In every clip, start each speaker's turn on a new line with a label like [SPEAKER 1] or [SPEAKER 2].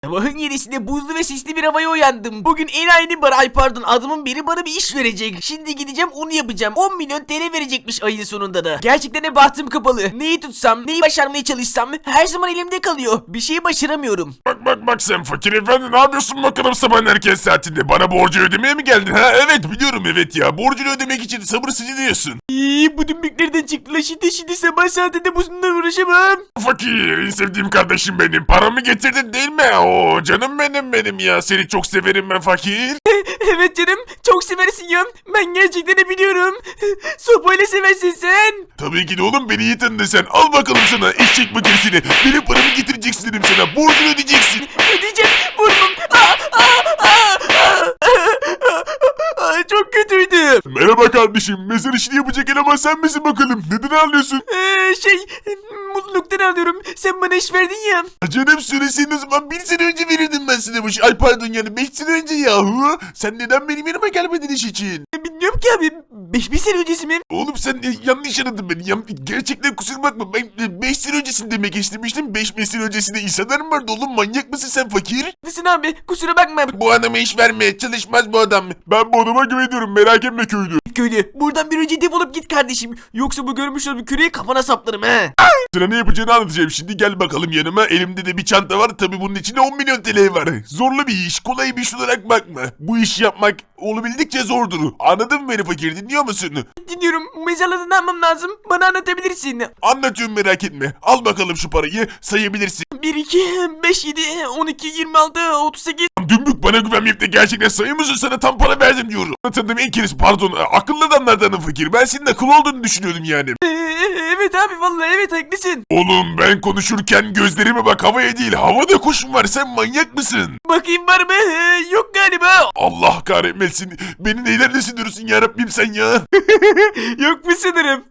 [SPEAKER 1] Sabahın 7'sinde buzlu ve sisli bir havaya uyandım. Bugün enayinin bana pardon adamın biri bana bir iş verecek. Şimdi gideceğim onu yapacağım. 10 milyon TL verecekmiş ayın sonunda da. Gerçekten de bahtım kapalı. Neyi tutsam, neyi başarmaya çalışsam her zaman elimde kalıyor. Bir şeyi başaramıyorum.
[SPEAKER 2] Bak sen fakir efendi, ne yapıyorsun bakalım sabahın erken saatinde? Bana borcu ödemeye mi geldin? Ha evet biliyorum, evet ya. Borcunu ödemek için sabırsızlanıyorsun.
[SPEAKER 1] Bu dümbüklerden çıktılar şimdi sabah saatinde bununla uğraşamam.
[SPEAKER 2] Fakir, en sevdiğim kardeşim benim. Paramı getirdin değil mi? Oo canım benim ya. Seni çok severim ben fakir.
[SPEAKER 1] Evet canım çok seversin ya. Ben gerçekten de biliyorum. Sopayla seversin sen.
[SPEAKER 2] Tabii ki de oğlum, beni iyi tanıdın sen. Al bakalım sana eşek makinesini. Benim paramı getireceksin dedim sana. Borcunu ödeyeceksin.
[SPEAKER 1] Ödeyeceğim burnum. Çok kötüydü.
[SPEAKER 2] Merhaba kardeşim. Mezar işini yapacak eleman sen misin bakalım? Neden ağlıyorsun?
[SPEAKER 1] Mutluluktan alıyorum. Sen bana iş verdin ya.
[SPEAKER 2] Canım söyleseydin o zaman 1 sene önce verirdim ben sana bu işi. Ay pardon, yani 5 sene önce yahu. Sen neden benim yanıma gelmedin iş için?
[SPEAKER 1] Bilmiyorum ki abi. 5 sene öncesi mi?
[SPEAKER 2] Oğlum sen yanlış anladın beni. Gerçekten kusura bakma. Ben 5 sene öncesini demek istemiştim. 5 sene öncesinde insanlar mı vardı oğlum? Manyak mısın sen fakir?
[SPEAKER 1] Haklısın abi. Kusura bakma.
[SPEAKER 2] Bu adama iş verme. Çalışmaz bu adam. Ben bu adama güveniyorum. Merak etme köylü.
[SPEAKER 1] Köylü buradan bir önce defolup git kardeşim. Yoksa bu görmüş olduğum küreği kafana saplarım he.
[SPEAKER 2] Sana ne yapacağını anlatacağım şimdi. Gel bakalım yanıma. Elimde de bir çanta var. Tabii bunun içinde 10 milyon TL var. Zorlu bir iş. Kolay bir iş olarak bakma. Bu işi yapmak olabildikçe zordur. Anladın mı beni fakir? Dinliyor musun?
[SPEAKER 1] Dinliyorum. Mezarlığı ne yapmam lazım? Bana anlatabilirsin.
[SPEAKER 2] Anlatıyorum, merak etme. Al bakalım şu parayı. Sayabilirsin.
[SPEAKER 1] 1, 2, 5, 7, 12, 26, 38.
[SPEAKER 2] Dümbük, bana güvenmeyip de gerçekten sayıyor musun? Sana tam para verdim diyorum. Tanıdığım en kerisi, pardon, akıllı adamlardanım fakir. Ben senin akıllı olduğunu düşünüyordum yani.
[SPEAKER 1] Evet abi vallahi evet haklısın.
[SPEAKER 2] Oğlum ben konuşurken gözlerime bak, havaya değil. Havada kuşum var, sen manyak mısın?
[SPEAKER 1] Bakayım var mı? Yok galiba.
[SPEAKER 2] Allah kahretmesin. Beni neylerde sindiriyorsun yarabbim sen ya?
[SPEAKER 1] Yok mu sanırım?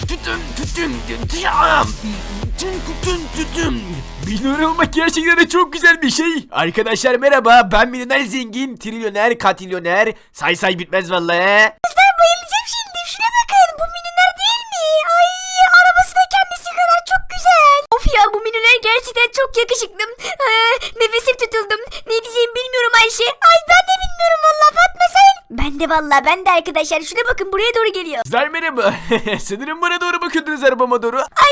[SPEAKER 1] Milyoner olmak gerçekten de çok güzel bir şey. Arkadaşlar merhaba, ben milyoner zengin, trilyoner, katilyoner. Say bitmez vallahi.
[SPEAKER 3] Kızlar bayılacağım şimdi. Şuna bakın. Bu milyoner değil mi? Ay arabası da kendisi kadar çok güzel. Of ya, bu milyoner gerçekten çok yakışıklı. Nefesim tutuldum. Ne diyeceğimi bilmiyorum Ayşe. Ay ben de bilmiyorum valla. Fatma sen? Ben de arkadaşlar. Şuna bakın, buraya doğru geliyor.
[SPEAKER 1] Kızlar merhaba. Sanırım bana doğru bakıyordunuz, arabama doğru.
[SPEAKER 3] Ay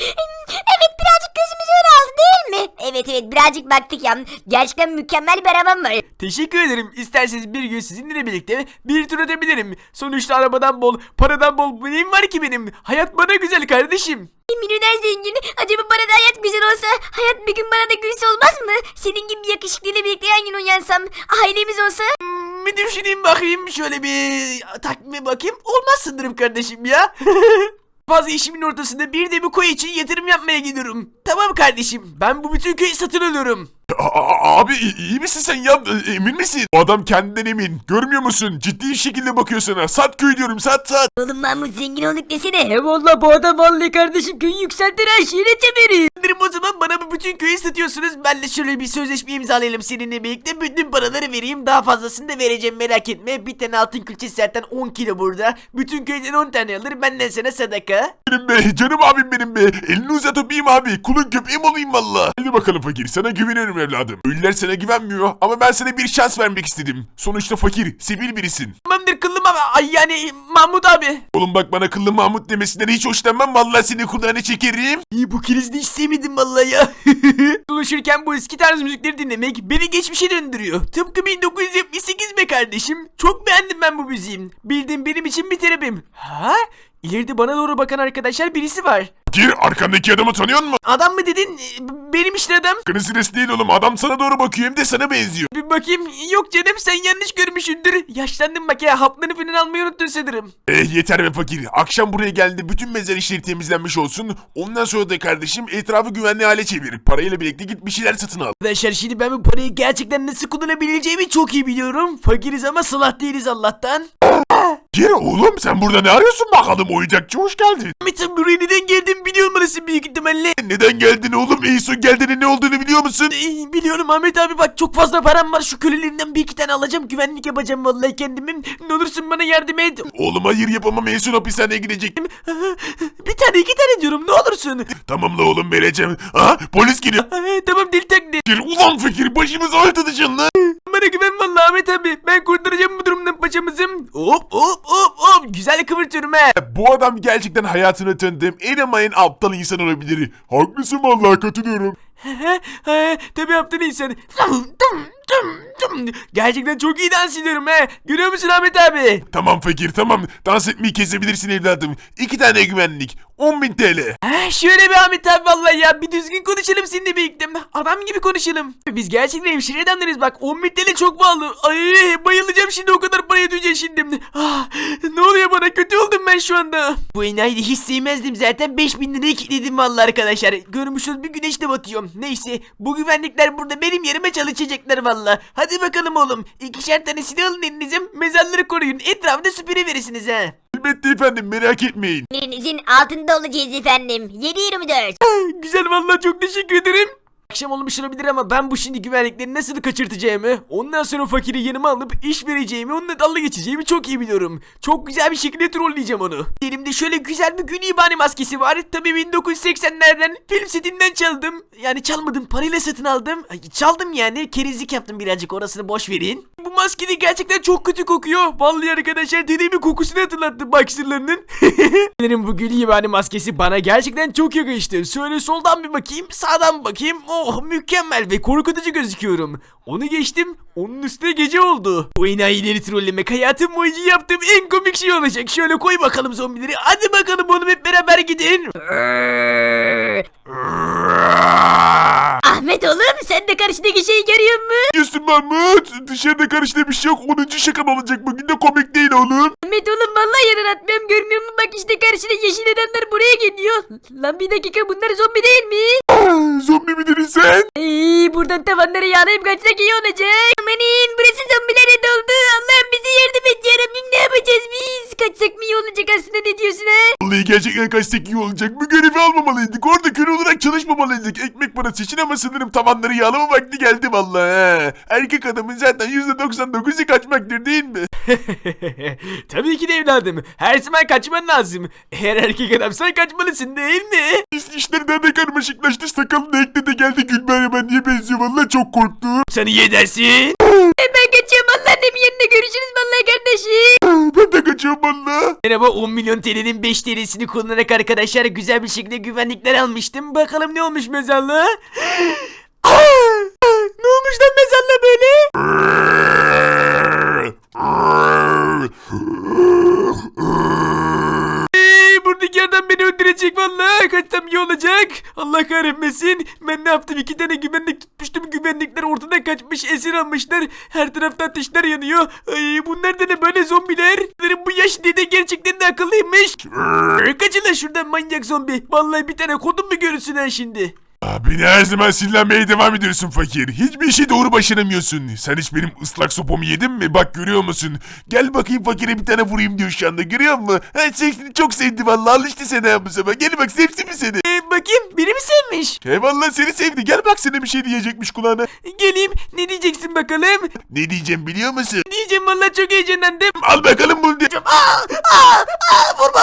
[SPEAKER 3] evet birazcık gözümüzü öyle aldı değil mi? Evet birazcık baktık ya. Gerçekten mükemmel bir arabam var.
[SPEAKER 1] Teşekkür ederim. İsterseniz bir gün sizinle birlikte bir tur atabilirim. Sonuçta arabadan bol, paradan bol neyim var ki benim? Hayat bana güzel kardeşim.
[SPEAKER 3] Milyoner zengin. Acaba bana da hayat güzel olsa, hayat bir gün bana da gülse olmaz mı? Senin gibi bir yakışıklıyla birlikte yan yana uyansam, ailemiz olsa.
[SPEAKER 1] Bir düşüneyim bakayım, şöyle bir takvime bakayım. Olmaz sanırım kardeşim ya. Fazla işimin ortasında bir de bu koy için yatırım yapmaya gidiyorum. Tamam kardeşim, ben bu bütün köyü satın alıyorum.
[SPEAKER 2] Abi iyi misin sen ya? Emin misin? O adam kendinden emin. Görmüyor musun? Ciddi bir şekilde bakıyor sana. Sat köy diyorum, sat.
[SPEAKER 3] Oğlum Mahmut zengin olduk desene.
[SPEAKER 1] Valla bu adam vallahi kardeşim köyü yükseltir her şeyine temeri. O zaman bana bu bütün köyü satıyorsunuz. Ben de şöyle bir sözleşme imzalayalım seninle birlikte. Bütün paraları vereyim. Daha fazlasını da vereceğim, merak etme. Bir tane altın külçesi zaten 10 kilo burada. Bütün köyden 10 tane alır. Benden sana sadaka.
[SPEAKER 2] Benim be, canım abim benim be. Elini uzat öpeyim abi. Kulun köpeğim olayım valla. Hadi bakalım fakir, sana güveniyorum evladım. Ölüler sana güvenmiyor ama ben sana bir şans vermek istedim. Sonuçta fakir, sivil birisin.
[SPEAKER 1] Tamamdır kıllım ama ay yani Mahmut abi.
[SPEAKER 2] Oğlum bak, bana kıllı Mahmut demesinden hiç hoşlanmam. Vallahi seni kulağına çekerim.
[SPEAKER 1] İyi, bu krizde hiç sevmedim vallahi ya. Dolaşırken bu eski tarz müzikleri dinlemek beni geçmişe döndürüyor. Tıpkı 1978 be kardeşim. Çok beğendim ben bu müziği. Bildiğim benim için bir terapim. Ha? İleride bana doğru bakan arkadaşlar birisi var.
[SPEAKER 2] Fakir, arkandaki adamı tanıyor musun?
[SPEAKER 1] Adam mı dedin? Benim işte adam.
[SPEAKER 2] Kırısırası değil oğlum. Adam sana doğru bakıyor, hem de sana benziyor.
[SPEAKER 1] Bir bakayım. Yok canım, sen yanlış görmüşsündür. Yaşlandım bak ya, haplarını falan almayı unuttun sanırım.
[SPEAKER 2] Yeter be fakir. Akşam buraya geldi. Bütün mezar işleri temizlenmiş olsun. Ondan sonra da kardeşim etrafı güvenli hale çevir. Parayla birlikte git bir şeyler satın al.
[SPEAKER 1] Arkadaşlar şimdi ben bu parayı gerçekten nasıl kullanabileceğimi çok iyi biliyorum. Fakiriz ama salah değiliz Allah'tan.
[SPEAKER 2] Gir oğlum, sen burada ne arıyorsun bakalım, oyuncakçı hoş geldin.
[SPEAKER 1] Ahmet'im buraya neden geldim biliyor musun büyük ihtimalle?
[SPEAKER 2] Neden geldin oğlum? En son geldiğinin ne olduğunu biliyor musun?
[SPEAKER 1] Biliyorum Ahmet abi, bak çok fazla param var, şu kölelerinden bir iki tane alacağım, güvenlik yapacağım vallahi kendimin. Ne olursun bana yardım et.
[SPEAKER 2] Oğlum hayır yapamam, en son hapishaneye gidecektim.
[SPEAKER 1] Bir tane iki tane diyorum, ne olursun.
[SPEAKER 2] Tamam la oğlum, vereceğim. Aha, polis geliyor.
[SPEAKER 1] Tamam deli takli.
[SPEAKER 2] Gir ulan fakir, başımıza oynatacaksın lan.
[SPEAKER 1] Bana güven vallahi Ahmet abi, ben kurtaracağım bu durumdan paçamızı. Hop hop hop hop, güzel kıvırtıyorum he.
[SPEAKER 2] Bu adam gerçekten hayatını tanıdığım en ama en aptal insan olabilir. Haklısın vallahi, katılıyorum.
[SPEAKER 1] Tabii aptal insan. Gerçekten çok iyi dans ediyorum he. Görüyor musun Ahmet abi?
[SPEAKER 2] Tamam fakir tamam, dans etmeyi kesebilirsin evladım. 2 tane güvenlik, 10.000 TL.
[SPEAKER 1] Şöyle bir Ahmet abi, vallahi ya bir düzgün konuşalım seninle birlikte. Adam gibi konuşalım. Biz gerçekten hemşire adamlarız bak, 10.000 TL çok pahalı. Ay bayılacağım şimdi, o kadar paraya duyacağım şimdi. Ne oluyor bana, kötü oldum ben şu anda. Bu enayi de hiç sevmezdim zaten, 5.000 liraya kilitledim vallahi arkadaşlar. Görmüşsünüz bir güneş de batıyor. Neyse, bu güvenlikler burada benim yerime çalışacaklar vallahi. Hadi bakalım oğlum, 2'şer tane silah alın elinize, mezarları koruyun, etrafında süpürüverirsiniz ha.
[SPEAKER 2] Elbette efendim, merak etmeyin.
[SPEAKER 3] Emirinizin altında olacağız efendim. 7/24.
[SPEAKER 1] Güzel vallahi, çok teşekkür ederim. Akşam olmuş olabilir ama ben bu şimdi güvenlikleri nasıl kaçırtacağımı, ondan sonra fakiri yanıma alıp iş vereceğimi, onunla dalga geçeceğimi çok iyi biliyorum. Çok güzel bir şekilde trolleyeceğim onu. Elimde şöyle güzel bir gün ibani maskesi var. Tabii 1980'lerden film setinden çaldım. Yani çalmadım, parayla satın aldım. Ay, çaldım yani, kerizlik yaptım birazcık, orasını boş verin. Bu maske de gerçekten çok kötü kokuyor. Vallahi arkadaşlar, dedemin kokusunu hatırlattı baksırlarının. Benim bu gül ibani maskesi bana gerçekten çok yakıştı. Şöyle soldan bir bakayım, sağdan bir bakayım. Oh mükemmel ve korkutucu gözüküyorum. Onu geçtim, onun üstüne gece oldu. Bu enayileri trollemek hayatım boyunca yaptığım en komik şey olacak. Şöyle koy bakalım zombileri. Hadi bakalım oğlum, hep beraber gidin.
[SPEAKER 3] Ahmet oğlum, sen de karşıdaki şeyi görüyor musun?
[SPEAKER 2] Yusuf Mahmut, dışarıda karıştığı bir şey yok, 10. şakan olacak, bugün de komik değil oğlum.
[SPEAKER 3] Ahmet oğlum, vallahi yarar atmıyorum, görmüyor musun? Bak işte karşıda yeşil adamlar buraya geliyor. Lan bir dakika, bunlar zombi değil mi?
[SPEAKER 2] Zombi midir sen?
[SPEAKER 3] Buradan tavanlara yağlayıp kaçsak iyi olacak. Amanin, burası zombilere doldu. Allah'ım bize yardım et yarabbim, ne yapacağız biz? Kaçsak mı iyi olacak aslında, ne diyorsun ha?
[SPEAKER 2] Vallahi gerçekten kaçsak iyi olacak. Bu görevi almamalıydık. Orada köle olarak çalışmamalıydık. Ekmek parası için ama sanırım tavanları yağlama vakti geldi vallahi. He. Erkek adamın zaten %99'u kaçmaktır değil mi?
[SPEAKER 1] Tabii ki de evladım. Her zaman kaçman lazım. Eğer erkek adamsan kaçmalısın değil mi?
[SPEAKER 2] İşler daha da karmaşıklaştı. Sakalını ekle de geldi, Gülbahar ben niye benziyor, vallahi çok korktum.
[SPEAKER 1] Sen iyi edersin.
[SPEAKER 3] Ben kaçıyorum, anneannemin yanına görüşürüz vallahi kardeşim.
[SPEAKER 2] Ben de kaçıyorum vallahi.
[SPEAKER 1] Merhaba, 10 milyon TL'nin 5 TL'sini kullanarak arkadaşlar güzel bir şekilde güvenlikler almıştım. Bakalım ne olmuş mezarlığa? Ne olmuş lan mezarlığa böyle? Buradaki adam beni öldürecek vallahi. Kaçsam iyi olacak. Allah kahretmesin. Ben ne yaptım? 2 tane güvenlik tutmuştum. Güvenlikler ortadan kaçmış. Esir almışlar. Her tarafta ateşler yanıyor. Ay, bunlar da ne böyle zombiler? Bu yaş dede gerçekten de akıllıymış. Kaçın lan şuradan manyak zombi. Vallahi bir tane kodum mu görürsün ha şimdi?
[SPEAKER 2] Beni her zaman sinirlenmeye devam ediyorsun fakir. Hiçbir işi doğru başaramıyorsun. Sen hiç benim ıslak sopamı yedin mi? Bak görüyor musun? Gel bakayım, fakire bir tane vurayım diyor şu anda, görüyor musun? Seni çok sevdi vallahi, alıştı sana bu sefer. Gel bak, sevsin mi seni?
[SPEAKER 1] Bakayım, biri mi sevmiş?
[SPEAKER 2] Vallahi seni sevdi. Gel bak, sana bir şey diyecekmiş kulağına.
[SPEAKER 1] Geleyim, ne diyeceksin bakalım?
[SPEAKER 2] Ne diyeceğim biliyor musun?
[SPEAKER 1] Diyeceğim vallahi, çok heyecanlandım.
[SPEAKER 2] Al bakalım bunu diye.
[SPEAKER 1] Vurma.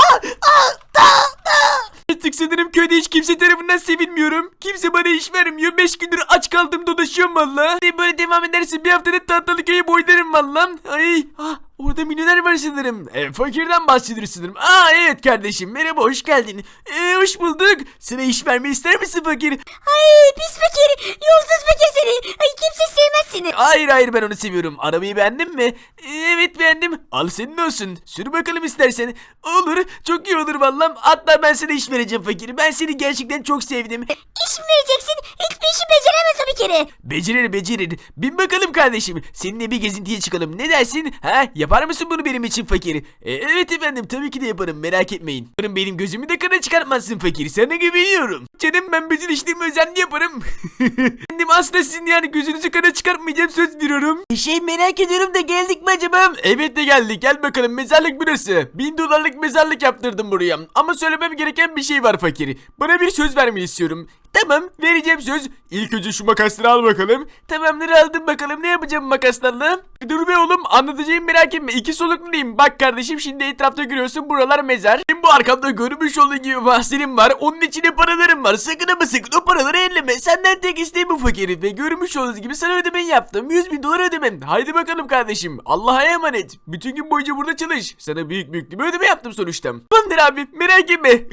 [SPEAKER 1] Artık sanırım köyde hiç kimse tarafından sevilmiyorum. Kimse bana iş vermiyor. 5 gündür aç kaldım, dolaşıyorum valla. Böyle devam ederse bir haftada tahtalı köyü boylarım valla. Ay, orada milyoner var sanırım. Fakirden bahsediyoruz sanırım. Evet kardeşim, merhaba, hoş geldin. Hoş bulduk. Sana iş vermeyi ister misin fakir?
[SPEAKER 3] Ay pis fakir, yolsuz fakir seni. Ay kimse sevmez seni.
[SPEAKER 1] Hayır, ben onu seviyorum. Arabayı beğendin mi? Evet beğendim. Al senin olsun. Sür bakalım istersen. Olur, çok iyi olur vallahi. Hatta ben sana iş vereceğim fakir. Ben seni gerçekten çok sevdim.
[SPEAKER 3] İş mi vereceksin? Hiçbir işi beceremez o bir kere.
[SPEAKER 1] Becerir. Bin bakalım kardeşim. Seninle bir gezintiye çıkalım. Ne dersin? Yapar mısın bunu benim için fakir? Evet efendim, tabii ki de yaparım, merak etmeyin. Benim gözümü de kana çıkartmazsın fakir. Sana güveniyorum. Canım, ben bütün işlerimi özenli yaparım. Kendim aslında sizin yani gözünüzü kana çıkartmam yapmayacağım, söz veriyorum. Merak ediyorum da geldik mi acaba? Evet de geldik, gel bakalım, mezarlık burası. 1000 dolarlık mezarlık yaptırdım buraya. Ama söylemem gereken bir şey var fakir. Bana bir söz vermeni istiyorum. Tamam, vereceğim söz. İlk önce şu makasları al bakalım. Tamamdır, aldım bakalım, ne yapacağım makaslarla? Dur be oğlum, anlatacağım, merak etme. 2 solukluyum. Bak kardeşim, şimdi etrafta görüyorsun, buralar mezar. Benim bu arkamda görmüş olduğun gibi mahzenim var. Onun içinde paralarım var. Sakın ama sakın o paraları elleme. Senden tek isteğim bu fakiri. Ve görmüş olduğunuz gibi sana ödemeyi yaptım. 100.000 dolar ödemem. Haydi bakalım kardeşim. Allah'a emanet. Bütün gün boyunca burada çalış. Sana büyük bir ödeme yaptım sonuçta. Tamamdır abi, merak etme.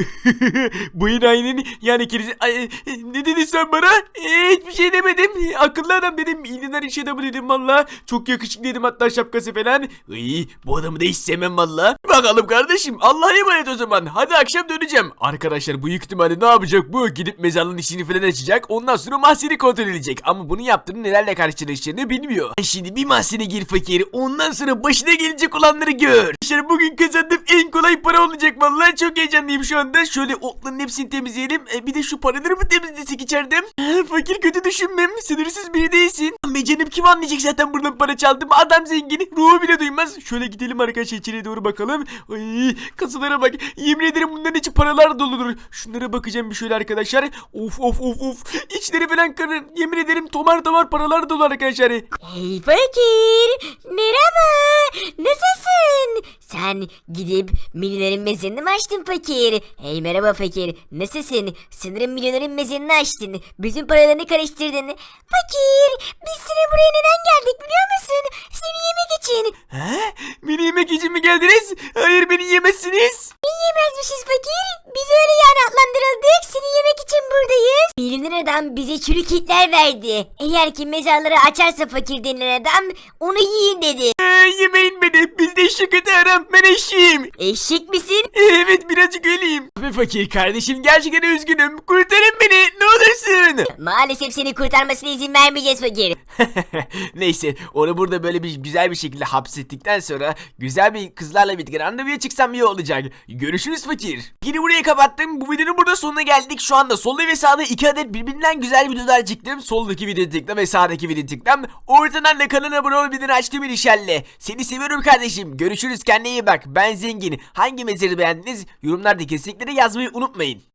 [SPEAKER 1] Bu inayinin yani kirisi... Ne dedin sen bana? Hiçbir şey demedim. Akıllı adam dedim. İlgiler iş adamı dedim valla. Çok yakışıklı dedim, hatta şapkası falan. Bu adamı da istemem valla. Bakalım kardeşim, Allah'a emanet o zaman. Hadi akşam döneceğim. Arkadaşlar büyük ihtimalle ne yapacak bu? Gidip mezarlığın işini falan açacak. Ondan sonra mahzeni kontrol edecek. Ama bunu yaptığını nelerle karşılaşacağını bilmiyor. Şimdi bir mahzene gir fakir. Ondan sonra başına gelecek olanları gör. Arkadaşlar bugün kazandığım en kolay para olacak vallahi. Çok heyecanlıyım şu anda. Şöyle otların hepsini temizleyelim. Bir de şu paraları mı temizlesek içeride? Fakir, kötü düşünmem. Sınırsız biri değilsin. Be canım, kim anlayacak zaten buradan para çaldım. Adam zengin. Ruhu bile duymaz. Şöyle gidelim arkadaşlar, içeriye doğru bakalım. Ay, kasalara bak. Yemin ederim bunların içi paralar doludur. Şunlara bakacağım bir şöyle arkadaşlar. Of. İçleri falan karın. Yemin ederim tomar paralar dolu arkadaşlar.
[SPEAKER 3] Hey fakir, merhaba, nasılsın? Sen gidip milyonerin mezarını mı açtın fakir? Hey merhaba fakir, nasılsın? Sanırım milyonerin mezarını açtın. Bütün paralarını karıştırdın. Fakir, biz sana buraya neden geldik biliyor musun? Seni yemek için.
[SPEAKER 1] Beni yemek için mi geldiniz? Hayır, beni yemezsiniz.
[SPEAKER 3] Yiyemezmişiz fakir. Biz öyle yani adlandırıldık. Seni yemek için buradayız. Milyoner adam bize çürük etler verdi. Eğer ki mezarları açarsa fakir denilen adam onu yiyin dedi.
[SPEAKER 1] Yemeyin beni. Bizde eşek öte aram. Ben eşeğim.
[SPEAKER 3] Eşek misin?
[SPEAKER 1] Evet, birazcık öyleyim. Abi fakir kardeşim, gerçekten üzgünüm. Kurtarın beni, ne olursun.
[SPEAKER 3] Maalesef seni kurtarmasına izin vermeyeceğiz fakir.
[SPEAKER 1] Neyse, onu burada böyle bir güzel bir şekilde hapsettikten sonra güzel bir kızlarla birlikte randevuya çıksam iyi olacak. Görüşürüz fakir. Yine buraya kapattım. Bu videonun burada sonuna geldik. Şu anda solda ve sağda 2 adet birbirinden güzel videolar çıktım. Soldaki videoyu tıkla ve sağdaki videoyu tıkla. Ortadan da kanala abone ol, bildirim açtığım inşallah. Seni seviyorum kardeşim. Görüşürüz, kendine iyi bak. Ben zengin. Hangi mezarı beğendiniz? Yorumlarda kesinlikle de yazmayı unutmayın.